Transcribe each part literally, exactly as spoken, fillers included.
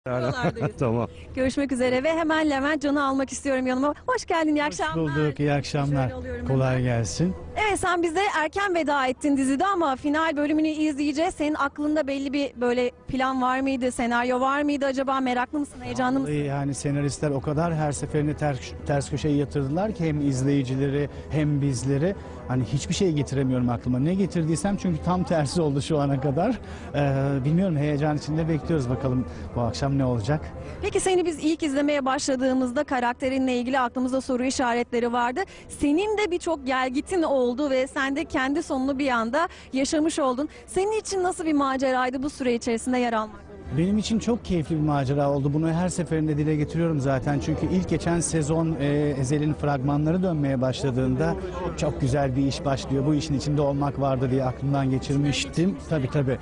Buralardayız. Tamam. Görüşmek üzere ve hemen Levent Can'ı almak istiyorum yanıma. Hoş geldin, iyi Hoş akşamlar. bulduk, iyi akşamlar. Şöyle alıyorum Kolay hemen. gelsin. Evet, sen bize erken veda ettin dizide ama final bölümünü izleyeceğiz. Senin aklında belli bir böyle plan var mıydı, senaryo var mıydı acaba? Meraklı mısın, heyecanlı mısın? Yani senaristler o kadar her seferinde ters, ters köşeye yatırdılar ki hem izleyicileri hem bizleri. Hani hiçbir şey getiremiyorum aklıma. Ne getirdiysem çünkü tam tersi oldu şu ana kadar. Ee, bilmiyorum, heyecan içinde bekliyoruz, bakalım bu akşam ne olacak. Peki seni biz ilk izlemeye başladığımızda karakterinle ilgili aklımızda soru işaretleri vardı. Senin de birçok gelgitin oldu ve sen de kendi sonunu bir anda yaşamış oldun. Senin için nasıl bir maceraydı bu süre içerisinde yer almak? Benim için çok keyifli bir macera oldu. Bunu her seferinde dile getiriyorum zaten. Çünkü ilk geçen sezon e, Ezel'in fragmanları dönmeye başladığında çok güzel bir iş başlıyor, bu işin içinde olmak vardı diye aklımdan geçirmiştim. Tabii tabii.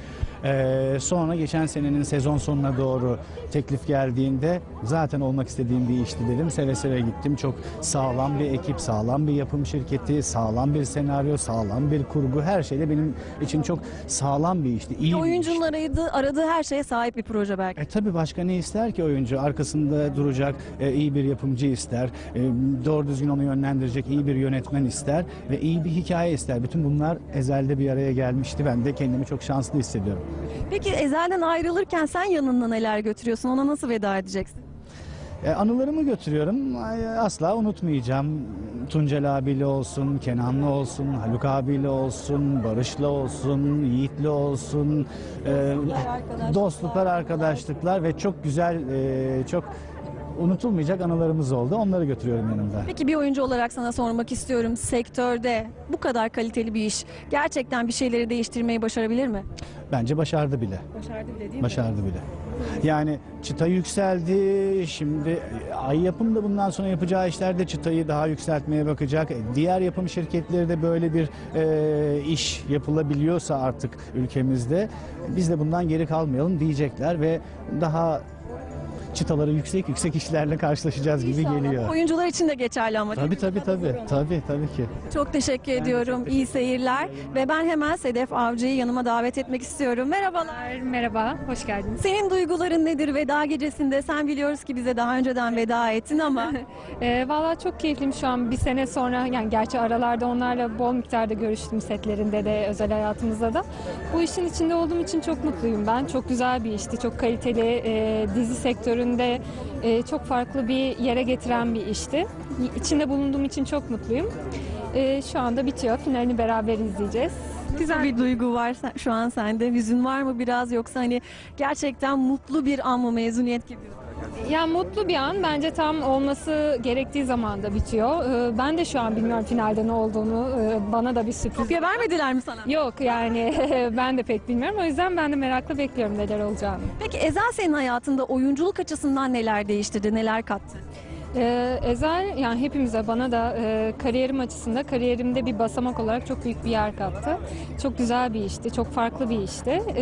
E, sonra geçen senenin sezon sonuna doğru teklif geldiğinde zaten olmak istediğim bir işti dedim. Seve seve gittim. Çok sağlam bir ekip, sağlam bir yapım şirketi, sağlam bir senaryo, sağlam bir kurgu. Her şeyde benim için çok sağlam bir işti. İyi bir işti. Oyuncunun aradığı, aradığı her şeye sahip bir proje belki. E tabii, başka ne ister ki oyuncu? Arkasında duracak e, iyi bir yapımcı ister, e, doğru düzgün onu yönlendirecek iyi bir yönetmen ister ve iyi bir hikaye ister. Bütün bunlar Ezel'de bir araya gelmişti. Ben de kendimi çok şanslı hissediyorum. Peki Ezel'den ayrılırken sen yanında neler götürüyorsun? Ona nasıl veda edeceksin? E, anılarımı götürüyorum. Ay, asla unutmayacağım. Tuncel abiyle olsun, Kenan'la olsun, Haluk abiyle olsun, Barış'la olsun, Yiğit'le olsun. E, dostluklar, arkadaşlıklar ve çok güzel, e, çok unutulmayacak anılarımız oldu. Onları götürüyorum yanımda. Peki bir oyuncu olarak sana sormak istiyorum. Sektörde bu kadar kaliteli bir iş gerçekten bir şeyleri değiştirmeyi başarabilir mi? Bence başardı bile. Başardı bile değil mi? Başardı bile. Yani çıta yükseldi. Şimdi Ay Yapım da bundan sonra yapacağı işlerde çıtayı daha yükseltmeye bakacak. Diğer yapım şirketleri de böyle bir e, iş yapılabiliyorsa artık ülkemizde biz de bundan geri kalmayalım diyecekler ve daha çıtaları yüksek yüksek işlerle karşılaşacağız gibi İnşallah. geliyor. Oyuncular için de geçerli ama. değil Tabii mi? tabii tabii. Tabii tabii ki. Çok teşekkür ediyorum. İyi seyirler. Ve ben hemen Sedef Avcı'yı yanıma davet etmek istiyorum. Merhabalar. Merhaba, hoş geldiniz. Senin duyguların nedir veda gecesinde? Sen biliyoruz ki bize daha önceden veda ettin ama Ee, Valla çok keyifliyim şu an bir sene sonra, yani gerçi aralarda onlarla bol miktarda görüştüm, setlerinde de özel hayatımızda da. Bu işin içinde olduğum için çok mutluyum ben. Çok güzel bir işti, çok kaliteli, e, dizi sektöründe e, çok farklı bir yere getiren bir işti. İçinde bulunduğum için çok mutluyum. E, şu anda bitiyor, finalini beraber izleyeceğiz. güzel bir duygu var sen- şu an sende. Hüzün var mı biraz, yoksa hani gerçekten mutlu bir an mı, mezuniyet gibi? Ya mutlu bir an, bence tam olması gerektiği zamanda bitiyor. Ee, Ben de şu an bilmiyorum finalde ne olduğunu. Ee, Bana da bir sürpriz. Kopya vermediler mi sana? Yok yani ben de pek bilmiyorum. O yüzden ben de merakla bekliyorum neler olacağını. Peki Ezel senin hayatında oyunculuk açısından neler değiştirdi, neler kattı? Ee, Ezel, yani hepimize, bana da e, kariyerim açısında, kariyerimde bir basamak olarak çok büyük bir yer kattı. Çok güzel bir işti, çok farklı bir işti. Ee,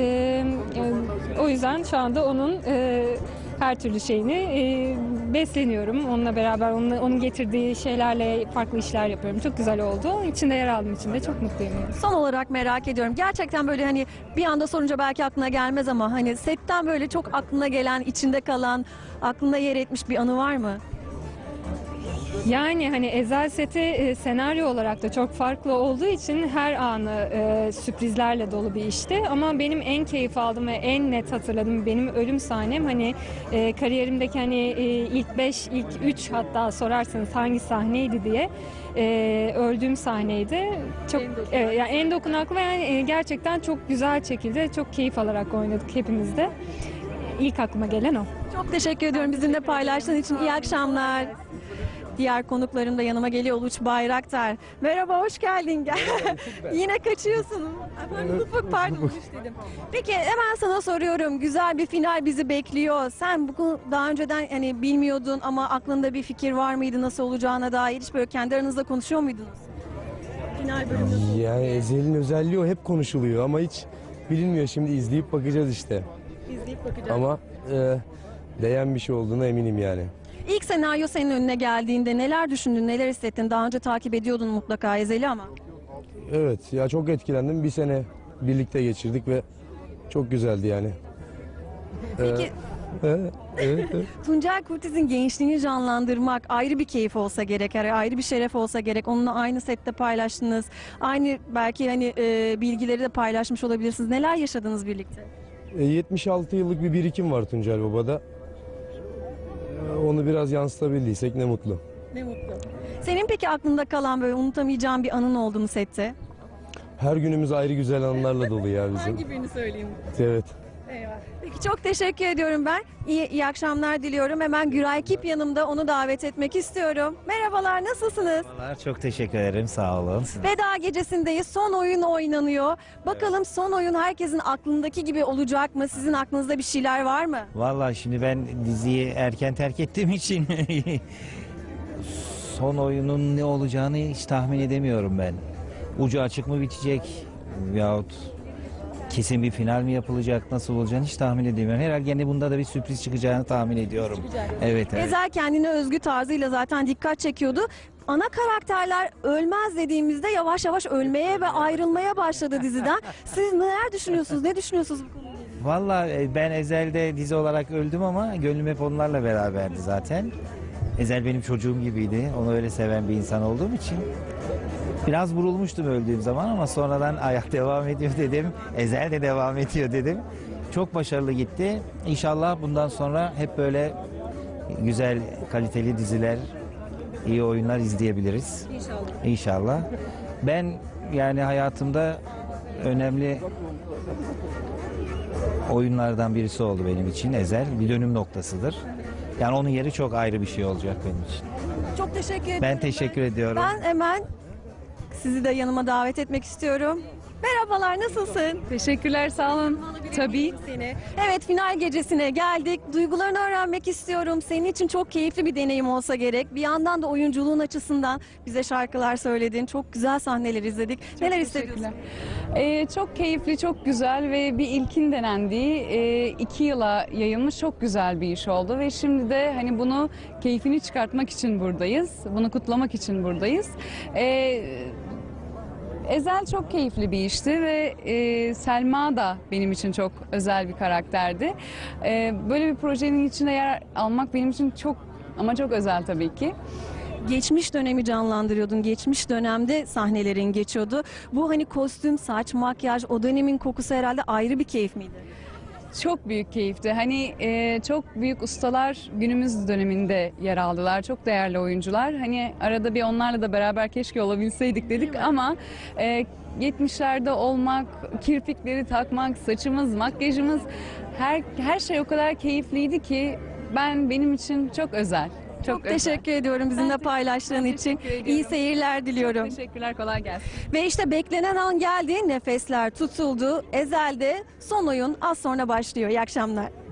e, O yüzden şu anda onun e, her türlü şeyini e, besleniyorum. Onunla beraber onun, onun getirdiği şeylerle farklı işler yapıyorum. Çok güzel oldu. İçinde yer aldığım için de çok mutluyum. Son olarak merak ediyorum. Gerçekten böyle hani bir anda sorunca belki aklına gelmez ama hani setten böyle çok aklına gelen, içinde kalan, aklında yer etmiş bir anı var mı? Yani hani Ezel seti e, senaryo olarak da çok farklı olduğu için her anı e, sürprizlerle dolu bir işti. Ama benim en keyif aldığım ve en net hatırladığım benim ölüm sahnem, hani e, kariyerimdeki hani e, ilk beş, ilk üç, hatta sorarsanız hangi sahneydi diye e, öldüğüm sahneydi. Çok En dokunaklı. evet, yani en dokunaklı ve yani e, gerçekten çok güzel şekilde çok keyif alarak oynadık hepimiz de. İlk aklıma gelen o. Çok teşekkür ediyorum bizimle paylaştığın için. İyi akşamlar. Diğer konuklarım da yanıma geliyor. Uluç Bayraktar. Merhaba, hoş geldin. Gel. Yine kaçıyorsun. Efendim, Ufuk, pardon, Uluç dedim. Peki hemen sana soruyorum. Güzel bir final bizi bekliyor. Sen bunu daha önceden hani bilmiyordun ama aklında bir fikir var mıydı nasıl olacağına dair? Hiç böyle kendi aranızda konuşuyor muydunuz? Final bölümü nasıl? Yani Ezel'in özelliği o, hep konuşuluyor ama hiç bilinmiyor. Şimdi izleyip bakacağız işte. İzleyip bakacağız. Ama e, değen bir şey olduğuna eminim yani. İlk senaryo senin önüne geldiğinde neler düşündün, neler hissettin? Daha önce takip ediyordun mutlaka Ezel'i ama. Evet ya, çok etkilendim. Bir sene birlikte geçirdik ve çok güzeldi yani. Peki Evet, evet, evet. Tuncel Kurtiz'in gençliğini canlandırmak ayrı bir keyif olsa gerek, yani ayrı bir şeref olsa gerek. Onunla aynı sette paylaştınız. Aynı belki hani e, bilgileri de paylaşmış olabilirsiniz. Neler yaşadınız birlikte? E, yetmiş altı yıllık bir birikim var Tuncel Baba'da. E, Onu biraz yansıtabildiysek ne mutlu. Ne mutlu. Senin peki aklında kalan böyle unutamayacağın bir anın oldu mu sette? Her günümüz ayrı güzel anılarla dolu ya bizim. Hangi birini söyleyeyim? Evet. Eyvah. Peki çok teşekkür ediyorum ben. İyi, iyi akşamlar diliyorum. Hemen Güray Kip yanımda, onu davet etmek istiyorum. Merhabalar, nasılsınız? Merhabalar, çok teşekkür ederim. Sağ olun. Siz- Veda gecesindeyiz. Son oyun oynanıyor. Bakalım son oyun herkesin aklındaki gibi olacak mı? Sizin aklınızda bir şeyler var mı? Vallahi şimdi ben diziyi erken terk ettiğim için son oyunun ne olacağını hiç tahmin edemiyorum ben. Ucu açık mı bitecek yahut kesin bir final mi yapılacak, nasıl olacağını hiç tahmin edemiyorum. Herhalde gene bunda da bir sürpriz çıkacağını tahmin ediyorum. Evet, evet. Ezel kendine özgü tarzıyla zaten dikkat çekiyordu. Ana karakterler ölmez dediğimizde yavaş yavaş ölmeye ve ayrılmaya başladı diziden. Siz neler düşünüyorsunuz? Ne düşünüyorsunuz bu konuda? Vallahi e, ben Ezel'de dizi olarak öldüm ama gönlüm hep onlarla beraberdi zaten. Ezel benim çocuğum gibiydi. Onu öyle seven bir insan olduğum için. Biraz vurulmuştum öldüğüm zaman ama sonradan ayak devam ediyor dedim. Ezel de devam ediyor dedim. Çok başarılı gitti. İnşallah bundan sonra hep böyle güzel, kaliteli diziler, iyi oyunlar izleyebiliriz. İnşallah. İnşallah. Ben yani hayatımda önemli oyunlardan birisi oldu benim için Ezel. Bir dönüm noktasıdır. Yani onun yeri çok ayrı bir şey olacak benim için. Çok teşekkür ederim. Ben teşekkür ediyorum. Ben hemen sizi de yanıma davet etmek istiyorum. Merhabalar, nasılsın? Teşekkürler, sağ olun. Tabii. Seni. Evet, final gecesine geldik. Duygularını öğrenmek istiyorum. Senin için çok keyifli bir deneyim olsa gerek. Bir yandan da oyunculuğun açısından bize şarkılar söyledin. Çok güzel sahneler izledik. Neler hissediyorsun? Ee, çok keyifli, çok güzel ve bir ilkin denendiği e, iki yıla yayılmış çok güzel bir iş oldu. Ve şimdi de hani bunu keyfini çıkartmak için buradayız. Bunu kutlamak için buradayız. Ee, Ezel çok keyifli bir işti ve e, Selma da benim için çok özel bir karakterdi. E, böyle bir projenin içinde yer almak benim için çok ama çok özel tabii ki. Geçmiş dönemi canlandırıyordun. Geçmiş dönemde sahnelerin geçiyordu. Bu hani kostüm, saç, makyaj, o dönemin kokusu herhalde ayrı bir keyif miydi? Çok büyük keyifti. Hani e, çok büyük ustalar günümüz döneminde yer aldılar. Çok değerli oyuncular. Hani arada bir onlarla da beraber keşke olabilseydik dedik ama e, yetmişlerde olmak, kirpikleri takmak, saçımız, makyajımız her her şey o kadar keyifliydi ki ben benim için çok özel. Çok, Çok özel. teşekkür ediyorum bizimle Ben paylaştığın ben için. teşekkür ediyorum. İyi seyirler diliyorum. Teşekkürler, kolay gelsin. Ve işte beklenen an geldi. Nefesler tutuldu. Ezel'de son oyun az sonra başlıyor. İyi akşamlar.